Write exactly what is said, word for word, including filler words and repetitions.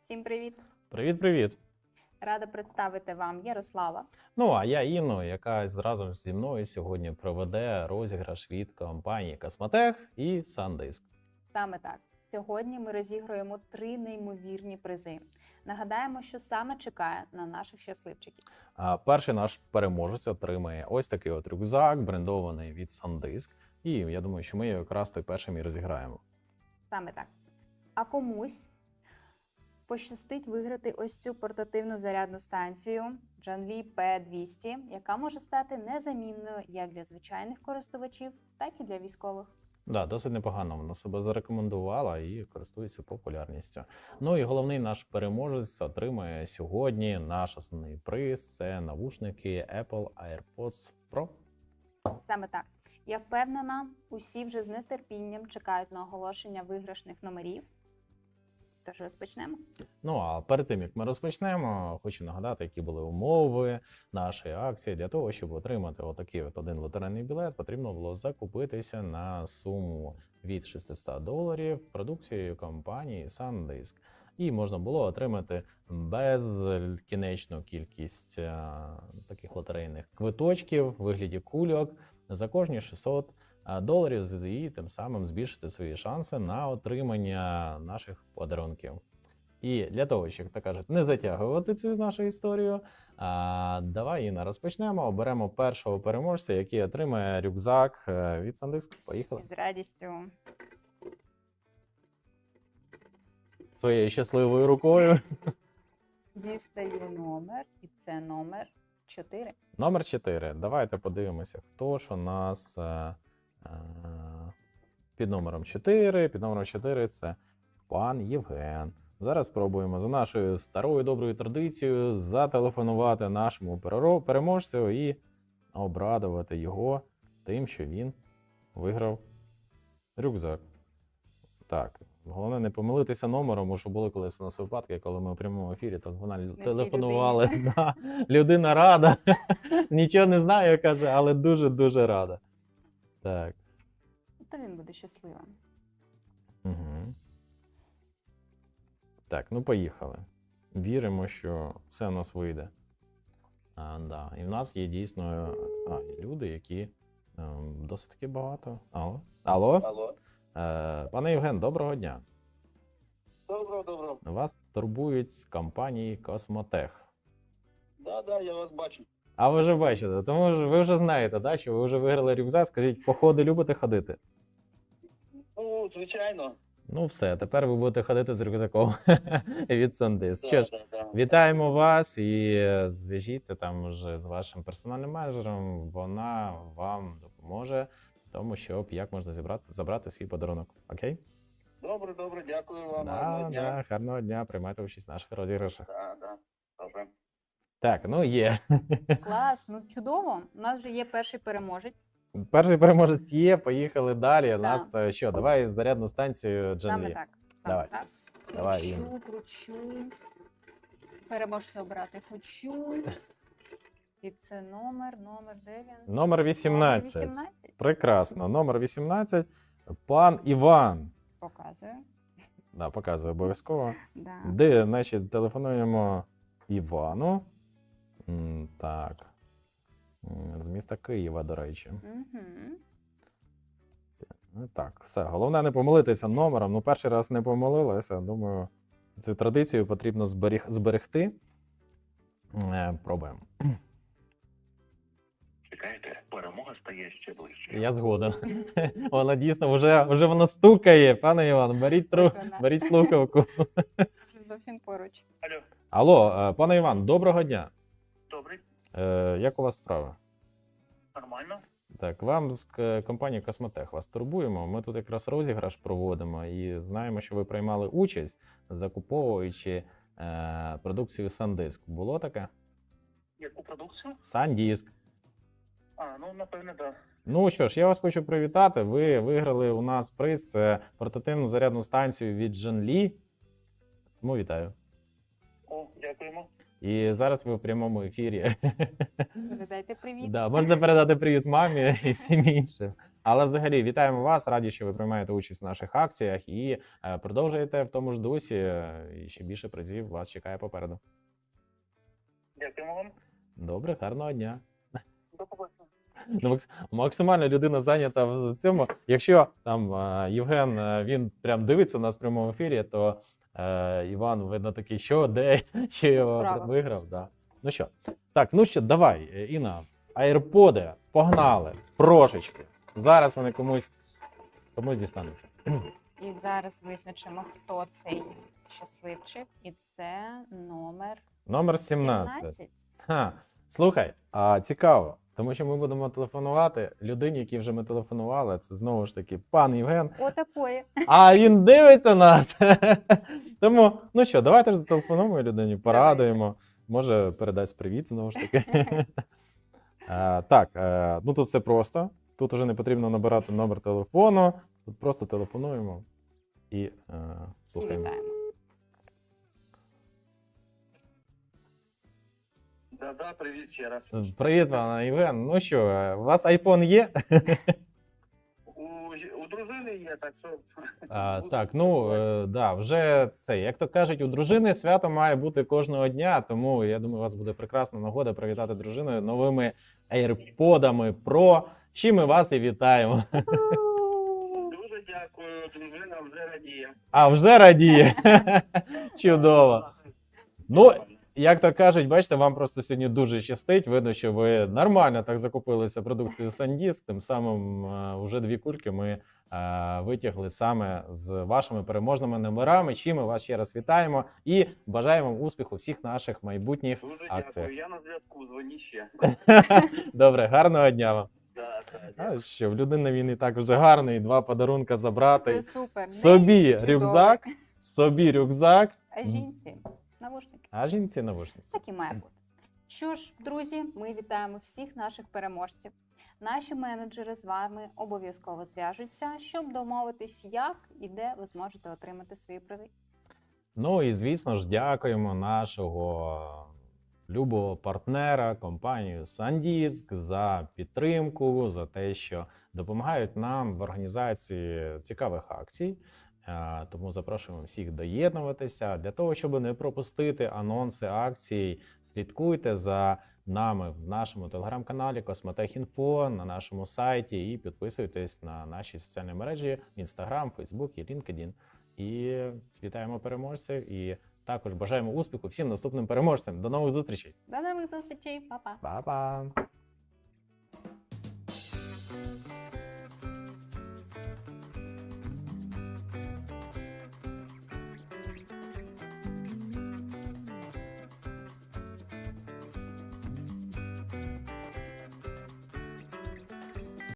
Всім привіт! Привіт-привіт! Рада представити вам Ярослава. Ну, а я Інну, яка разом зі мною сьогодні проведе розіграш від компанії Космотех і SanDisk. Саме так. Сьогодні ми розігруємо три неймовірні призи. Нагадаємо, що саме чекає на наших щасливчиків. А перший наш переможець отримає ось такий от рюкзак, брендований від SanDisk. І я думаю, що ми його якраз той першим і розіграємо. Саме так. А комусь пощастить виграти ось цю портативну зарядну станцію Janli пі двісті, яка може стати незамінною як для звичайних користувачів, так і для військових. Да, досить непогано вона себе зарекомендувала і користується популярністю. Ну і головний наш переможець отримає сьогодні наш основний приз – це навушники Apple AirPods Pro. Саме так. Я впевнена, усі вже з нетерпінням чекають на оголошення виграшних номерів. Тож розпочнемо. Ну, а перед тим, як ми розпочнемо, хочу нагадати, які були умови нашої акції. Для того, щоб отримати отакий от один лотерейний білет, потрібно було закупитися на суму від шістсот доларів продукцією компанії SanDisk. І можна було отримати безкінечну кількість а, таких лотерейних квиточків в вигляді кульок за кожні шістсот доларів і тим самим збільшити свої шанси на отримання наших подарунків. І для того, щоб, так кажуть, не затягувати цю нашу історію, а, давай, Інна, розпочнемо. Оберемо першого переможця, який отримає рюкзак від SanDisk. Поїхали. З радістю. Своєю щасливою рукою. Дістаю номер, і це номер чотири. Номер чотири. Давайте подивимося, хто ж у нас а, а, під номером чотири. Під номером чотири це пан Євген. Зараз спробуємо за нашою старою доброю традицією зателефонувати нашому переможцю і обрадувати його тим, що він виграв рюкзак. Так, головне не помилитися номером, тому що були колись у нас випадки, коли ми у прямому ефірі телефонували, телефонували. Да, людина рада, нічого не знає, каже, але дуже-дуже рада. Так. То він буде щасливим. Угу. Так, ну поїхали. Віримо, що все у нас вийде. А, да. І в нас є дійсно а, люди, які ем, досить таки багато. Алло? Алло? Алло. Е, пане Євген, доброго дня. Доброго, доброго. Вас турбують з компанії Космотех. Да, да, я вас бачу. А ви вже бачите, тому що ви вже знаєте, да, що ви вже виграли рюкзак. Скажіть, походи любите ходити? Ну, звичайно. Ну все, тепер ви будете ходити з рюкзаком від SanDisk. Да, Що ж, да, да. вітаємо вас і зв'яжіться там вже з вашим персональним менеджером. Вона вам допоможе в тому, щоб як можна зібрати, забрати свій подарунок. Окей? Добре, добре, дякую вам. Да, Гарного дня. да, гарного дня, приймайте участь в наших розіграшах. Да, да. Добре. Так, ну є. Клас, ну чудово. У нас вже є перший переможець. Перший переможець є, поїхали далі. У Да. нас е, що, давай зарядну станцію Саме Janli. так. Саме Давай. так. Давай, Хочу, Інна. кручу. Переможця обрати хочу. І це номер, номер де він? Номер вісімнадцять. Номер вісімнадцять? Прекрасно. Номер вісімнадцять. Пан Іван. Показую. Да, показую обов'язково. Да. Де, значить, телефонуємо Івану. М, Так. М, З міста Києва, до речі. Угу. Ну, так, все. Головне не помилитися номером. Ну, перший раз не помилилася. Думаю, цю традицію потрібно зберіг... зберегти. Е, Пробуємо. Чекайте, перемога стає ще ближче. Я згоден. Вона дійсно вже, вже вона стукає. Пане Іван, беріть, тру... Ось вона. беріть слухавку. Вже зовсім поруч. Алло, Алло, е, пане Іван, доброго дня. добрий, Е, Як у вас справи? нормально. Так, вам з к- компанії Космотех вас турбуємо. Ми тут якраз розіграш проводимо і знаємо, що ви приймали участь, закуповуючи е, продукцію SanDisk. Було таке? Яку продукцію? SanDisk. А, ну, напевне, так. Да. Ну що ж, я вас хочу привітати. Ви виграли у нас приз це портативну зарядну станцію від Janli. Тому вітаю. О, дякуємо. І зараз ви в прямому ефірі. Передайте привіт. Да, можна передати привіт мамі і всім іншим. Але взагалі вітаємо вас, раді, що ви приймаєте участь в наших акціях і е, продовжуєте в тому ж дусі. е, І ще більше призів вас чекає попереду. Дякуємо вам. Добре, гарного дня. До побачення. Ну, макс- максимально людина зайнята в цьому. Якщо там е, Євген е, він прям дивиться нас в прямому ефірі, то е, Іван, видно, такий, що, де, що його Справа. виграв. Да. Ну що, так, ну що, давай, е, Інна, AirPods, погнали, прошечки. Зараз вони комусь, комусь дістануться. І зараз визначимо, хто цей щасливчик. І це номер Номер сімнадцять. сімнадцять. Ха, слухай, а цікаво, тому що ми будемо телефонувати людині, якій вже ми телефонували. Це знову ж таки пан Євген. Отакої. А він дивиться нас. Тому, ну що, давайте ж зателефонуємо людині, порадуємо. Може, передасть привіт знову ж таки. Е, Так, е, ну тут все просто. Тут вже не потрібно набирати номер телефону. Тут просто телефонуємо і е, І слухаємо. вітаємо. Да-да, привіт ще раз. Привіт, пане Євген. Ну що, е, у вас айфон є? У, ж- у дружини є, так що... А, так, ну е, да, вже це, як то кажуть, у дружини свято має бути кожного дня, тому я думаю, у вас буде прекрасна нагода привітати дружину новими AirPodами Pro. З чим ми вас і вітаємо. Дуже дякую, дружина вже радіє. А вже радіє. Чудово. Ну, як то кажуть, бачите, вам просто сьогодні дуже щастить. Видно, що ви нормально так закупилися продукцією SanDisk. Тим самим е, вже дві кульки ми е, витягли саме з вашими переможними номерами. Чим ми вас ще раз вітаємо і бажаємо успіху всіх наших майбутніх Дуже акціях. дякую, я на зв'язку, дзвоні ще. Добре, гарного дня вам. Да, да, А дякую. що в людини він і так вже гарний, два подарунка Це забрати. супер. Собі Чудовий. рюкзак, собі рюкзак, А жінці навушники. а жінці навушниці. Так і має бути. Що ж, друзі, ми вітаємо всіх наших переможців. Наші менеджери з вами обов'язково зв'яжуться, щоб домовитись, як і де ви зможете отримати свої призи. Ну і звісно ж, дякуємо нашого любого партнера, компанію SanDisk, за підтримку, за те, що допомагають нам в організації цікавих акцій. Е, Тому запрошуємо всіх доєднуватися. Для того, щоб не пропустити анонси акцій, слідкуйте за нами в нашому телеграм-каналі Космотехінфо, на нашому сайті і підписуйтесь на наші соціальні мережі Instagram, Facebook і LinkedIn. І вітаємо переможців і також бажаємо успіху всім наступним переможцям. До нових зустрічей. До нових зустрічей, па-па! Па-па!